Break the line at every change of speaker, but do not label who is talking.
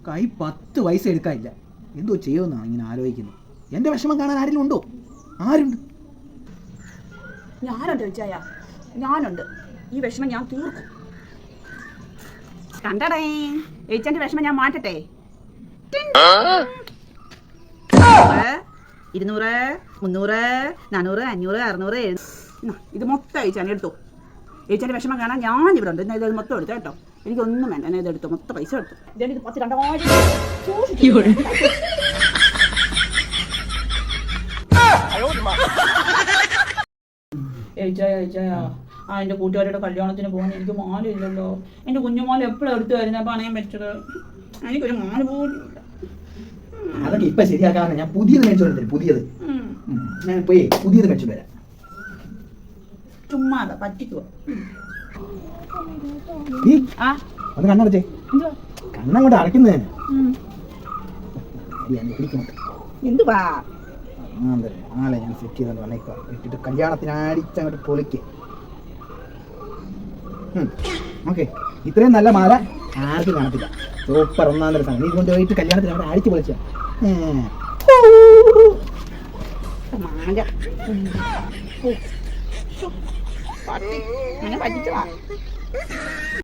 കൈ 10 പൈസ എടുക്കാനില്ല. എന്തോ ചെയ്യുമെന്നാണ് ഇങ്ങനെ ആലോചിക്കുന്നത്. എൻ്റെ വിഷമം കാണാൻ ആരെങ്കിലും ഉണ്ടോ? ആരുണ്ട്?
ഞാനുണ്ട് ചോദിച്ചായ, ഞാനുണ്ട്. ഈ വിഷമം ഞാൻ തീർക്കും. കണ്ടടേ, ഏച്ചൻ്റെ വിഷമം ഞാൻ മാറ്റട്ടെ. 200, 300, 400, 500, 600, 700. ഇത് മൊത്തം ഏച്ചാൻ എടുത്തു. ഏച്ചൻ്റെ വിഷമം കാണാൻ ഞാൻ ഇവിടെ ഉണ്ട്. എന്നാൽ ഇത് മൊത്തം എടുത്തു കേട്ടോ. എനിക്കൊന്നും വേണ്ട. എന്നെ ഇതെടുത്തു, മൊത്തം പൈസ എടുത്തു. ഇത് 10 ഏച്ചായ എൻ്റെ കൂട്ടുകാരുടെ കല്യാണത്തിന് പോകാൻ എനിക്ക് മാലയില്ലല്ലോ. എൻ്റെ കുഞ്ഞുമാല എപ്പോഴും എടുത്തു വരുന്നത് പണയം വെച്ചത്. എനിക്കൊരു മാല പോലും ഇല്ല.
അതൊക്കെ ഇപ്പൊ ശരിയാക്കാന്ന്. ഞാൻ പുതിയത് മേടിച്ചോണ്ട് തരും. പുതിയത് ഞാൻ പോയി പുതിയത് മേടിച്ചോണ്ട് വരാം.
ചുമ്മാ പറ്റിക്കുക.
ഒന്ന് കണ്ണടച്ചേ. കണ്ണങ്ങോട്ട് അടയ്ക്കുന്നേ.
എന്തുവാ
ആളെ ഞാൻ സെറ്റ് ചെയ്തോണ്ട് വന്നേക്കാം. ഇട്ടിട്ട് കല്യാണത്തിന് അടിച്ചങ്ങോട്ട് പൊളിക്ക്. ഓക്കെ, ഇത്രയും നല്ല മാല ആർക്കും കാണത്തില്ല. സൂപ്പർ, ഒന്നാം തരം സാധനം. നീ കൊണ്ടുപോയിട്ട് കല്യാണത്തിന് അവിടെ അടിച്ച് പൊളിച്ച
പറ്റിച്ചതാ.